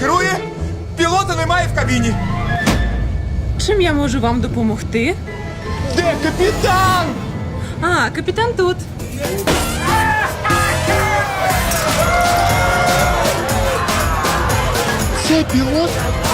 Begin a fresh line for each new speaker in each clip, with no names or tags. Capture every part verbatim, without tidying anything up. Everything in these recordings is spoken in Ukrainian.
керує, пілота немає в кабіні.
Чим я можу вам допомогти?
Де капітан?
А, капітан тут.
Це пілот?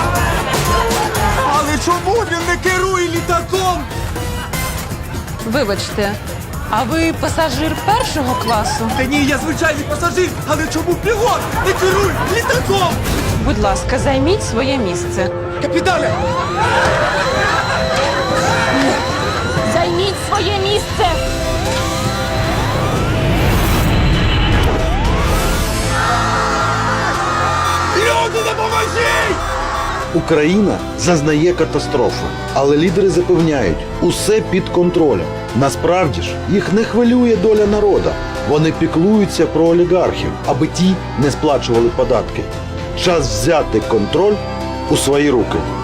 Але чому він не керує літаком?
Вибачте, а ви пасажир першого класу?
Та ні, я звичайний пасажир, але чому пілот не керує літаком?
Будь ласка, займіть своє місце.
Капітане!
Займіть своє місце!
Люди, допоможіть!
Україна зазнає катастрофи, але лідери запевняють, усе під контролем. Насправді ж, їх не хвилює доля народа. Вони піклуються про олігархів, аби ті не сплачували податки. Час взяти контроль у свої руки.